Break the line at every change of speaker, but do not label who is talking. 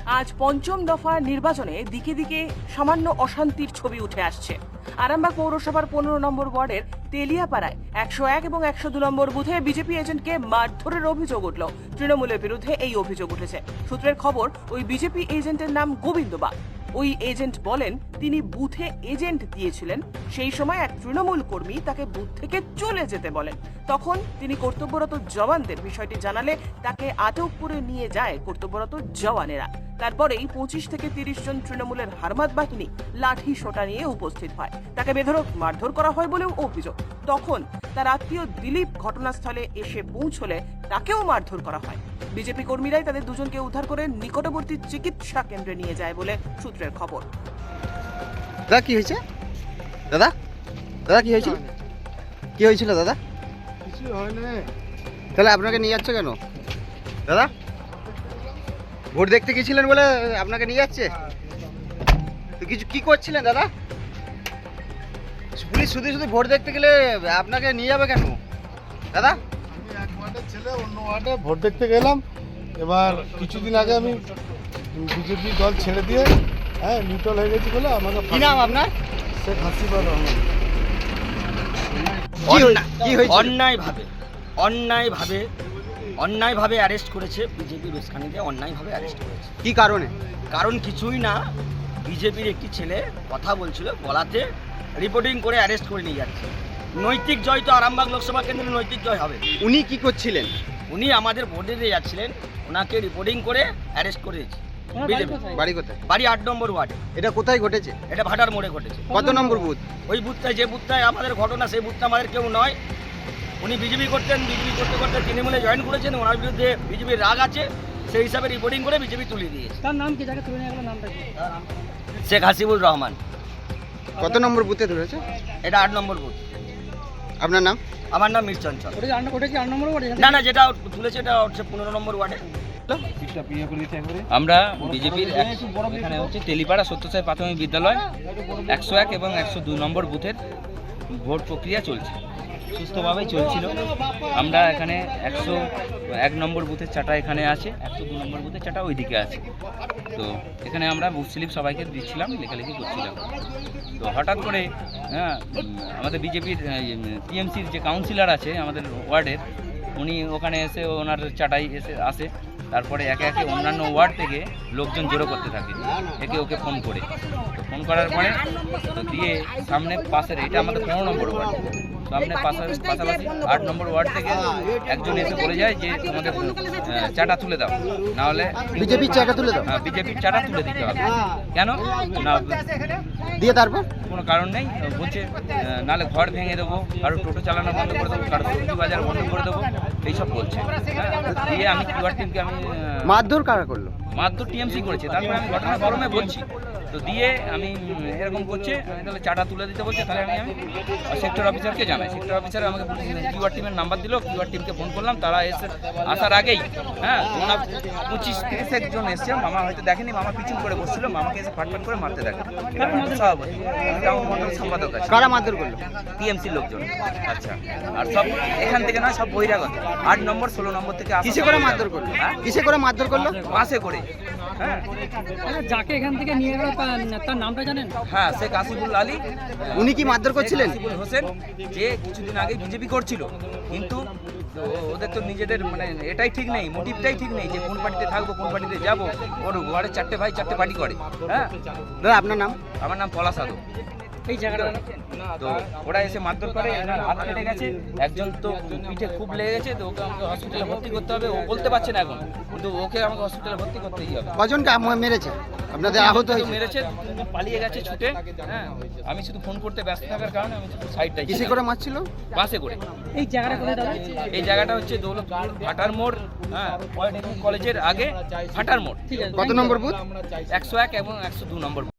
আজ পঞ্চম দফা নির্বাচনে দিকে দিকে সামান্য অশান্তির ছবি উঠে আসছে। আরামবাগ পৌরসভার 15 নম্বর ওয়ার্ডের তেলিয়াপাড়ায় 101 এবং 102 নম্বর বুথে বিজেপি এজেন্টকে মারধরের অভিযোগ উঠল। তৃণমূলের বিরুদ্ধে এই অভিযোগ উঠেছে। সূত্রের খবর, ওই বিজেপি এজেন্টের নাম গোবিন্দ বাগ। ওই এজেন্ট বলেন তিনি বুথে এজেন্ট দিয়েছিলেন, সেই সময় এক তৃণমূল কর্মী তাকে বুথ থেকে চলে যেতে বলেন। তখন তিনি কর্তব্যরত জওয়ানদের বিষয়টি জানালে তাকে আটক করে নিয়ে যায় কর্তব্যরত জওয়ানেরা। তারপরেই 25 থেকে 30 জন তৃণমূলের হারমাত বাহিনী লাঠি সোটা নিয়ে উপস্থিত হয়। তাকে বেধড়ক মারধর করা হয় বলেও অভিযোগ। তখন তার আত্মীয় দিলীপ ঘটনাস্থলে এসে পৌঁছলে তাকেও মারধর করা হয়। বিজেপি কর্মীরাই তাদের দুজনকে উদ্ধার করে নিকটবর্তী চিকিৎসা কেন্দ্রে নিয়ে যায় বলে সূত্রের খবর।
দাদা কি হয়েছে? দাদা দাদা কি হয়েছিল? কি হয়েছিল দাদা?
কিছু হয় না।
তাহলে আপনাকে নিয়ে যাচ্ছে কেন দাদা? ভোট দেখতে গেছিলেন বলে আপনাকে নিয়ে যাচ্ছে? তো কিছু কি করছিলেন দাদা? পুলিশ শুধু শুধু ভোট দেখতে গেলে আপনাকে নিয়ে যাবে কেন দাদা?
আমি এক ওয়ার্ডের ছেলে, অন্য ওয়ার্ডে ভোট দেখতে গেলাম। এবার কিছুদিন আগে আমি বিজেপি দল ছেড়ে দিয়ে নিউট্রাল হয়ে গেছি বলে আমাকে
কি নাম আপনার?
শেখ হাসিনা রহমান।
কি হয়েছে?
অন্যায়ভাবে অ্যারেস্ট করেছে বিজেপি বেসখানিতে, অন্যায়ভাবে অ্যারেস্ট করেছে।
কি কারণে?
কারণ কিছুই না, বিজেপির একটি ছেলে কথা বলছিল, বলাতে রিপোর্টিং করে অ্যারেস্ট করে নিয়ে যাচ্ছে। নৈতিক জয় তো আরামবাগ লোকসভা কেন্দ্রে নৈতিক জয় হবে।
উনি কি করছিলেন?
উনি আমাদের ভোটে দিয়ে যাচ্ছিলেন, ওনাকে রিপোর্টিং করে অ্যারেস্ট করেছে বিজেপি।
বাড়ি কোথায়?
বাড়ি 8 নম্বর ওয়ার্ডে।
এটা কোথায় ঘটেছে?
এটা ভাটার মোড়ে ঘটেছে।
কত নম্বর বুথ?
ওই বুথটায়, যে বুথটায় আমাদের ঘটনা, সেই বুথটা আমাদের কেউ নয়। উনি বিজেপি করতেন, বিজেপি করতে করতে তৃণমূলে জয়েন করেছেন, ওনার বিরুদ্ধে বিজেপির রাগ আছে, সেই হিসাবে রিপোর্টিং করে বিজেপি তুলে দিয়েছে।
তার নাম কি? যাকে তুলে নিয়ে গেল নামটা কি?
শেখ হাসিবুর রহমান।
কত নম্বর বুথে ধরেছে?
এটা 8 নম্বর বুথ।
আপনার নাম?
আমার নাম মীর চঞ্চল।
ওটা কি 8 নম্বর ওয়ার্ড?
না, যেটা তুলেছে এটা হচ্ছে 15 নম্বর ওয়ার্ডে।
আমরা বিজেপির এখানে হচ্ছে তেলিপাড়া সত্যসাই প্রাথমিক বিদ্যালয় 101 এবং 102 নম্বর বুথের ভোট প্রক্রিয়া চলছে, সুস্থভাবেই চলছিল। আমরা এখানে 101 নম্বর বুথের চাটা এখানে আছে, 102 নম্বর বুথের চাটা ওইদিকে আছে। তো এখানে আমরা বুথ স্লিপ সবাইকে দিচ্ছিলাম, লেখালেখি করছিলাম। তো হঠাৎ করে আমাদের বিজেপির টিএমসির যে কাউন্সিলর আছে আমাদের ওয়ার্ডের, উনি ওখানে এসে ওনার চাটাই আসে। তারপরে একে একে অন্যান্য ওয়ার্ড থেকে লোকজন জড়ো করতে থাকে, একে ওকে ফোন করে। তো ফোন করার পরে তো দিয়ে সামনে পাশের, এটা আমাদের 15 নম্বর ওয়ার্ড, সামনে পাশাপাশি 8 নম্বর ওয়ার্ড থেকে একজন এসে বলে যায় যে তোমাদের চাটা তুলে দাও, নাহলে
বিজেপির চাটা তুলে দাও।
হ্যাঁ, বিজেপির চাটা তুলে দিতে হবে। কেন না
দিয়ে তারপর
কোনো কারণ নেই, বলছে নাহলে ঘর ভেঙে দেবো, কারো টোটো চালানো বন্ধ করে দেবো, কারো সবজি বাজার বন্ধ করে দেবো, এইসব বলছে। দিয়ে আমি কিউআর টিমকে আমি
মারধর কারা করলো?
মারধর টিএমসি করেছে। তারপরে আমি ঘটনাক্রমে বলছি, তো দিয়ে আমি এরকম করছে, আমি তাহলে চাটা তুলে দিতে বলছে। তাহলে আমি সেক্টর অফিসারকে জানাই, সেক্টর অফিসার আমাকে কিউআর টিমের নাম্বার দিল, কিউআর টিমকে ফোন করলাম। তারা এসে আসার আগেই ওনার 25-30 জন এসছে। মামা হয়তো দেখেনি, মামা পিছন করে বসছিল, মামাকে এসে ফাটফাট করে মারতে দেখে। এটা আমার মন্ডল সম্পাদক আছে।
কারা মারধর করলো?
টিএমসির লোকজন। আচ্ছা, আর সব এখান থেকে নয়, সব বহিরাগত। 8 নম্বর 16 নম্বর থেকে আসা।
কিসে করে মারধর করলো? কিসে করে মারধর করলো?
বাসে করে। হ্যাঁ
যাকে এখান থেকে নিয়ে গেল তার নামটা জানেন?
হ্যাঁ, শেখ হাসিবুল আলী।
উনি কি মারধর করছিলেন?
হাসিবুল হোসেন, যে কিছুদিন আগে বিজেপি করছিল, কিন্তু ওদের তো নিজেদের মানে এটাই ঠিক নেই, মোটিভটাই ঠিক নেই যে কোন পার্টিতে থাকবো, কোন পার্টিতে যাবো। ওর ঘরে 4টে ভাই 4টে পার্টি করে। হ্যাঁ
দাদা আপনার নাম?
আমার নাম পলাশ আদো।
এই জায়গাটা
তো ওরা এসে মারধর করে, এনার হাত কেটে গেছে, একজন তো পিঠে খুব লেগে গেছে, তো ওকে আমাকে হসপিটালে ভর্তি করতে হবে। ও বলতে পারছে না এখন, কিন্তু ওকে আমাকে হসপিটালে ভর্তি করতেই হবে।
কজনকে মেরেছে? আপনাদের আহত হয়েছে?
মেরেছে, পালিয়ে গেছে ছুটে। হ্যাঁ, আমি শুধু ফোন করতে ব্যস্ত থাকার কারণে আমি শুধু সাইডটাই।
কিসে করে মারছিল?
বাসে করে।
এই জায়গাটা কোথায় দাদা?
এই জায়গাটা হচ্ছে দৌলতপুর ভাটার মোড়, পলিটেকনিক কলেজের আগে ভাটার মোড়।
ঠিক আছে।
কত নম্বর বুথ?
101 এবং 102 নম্বর।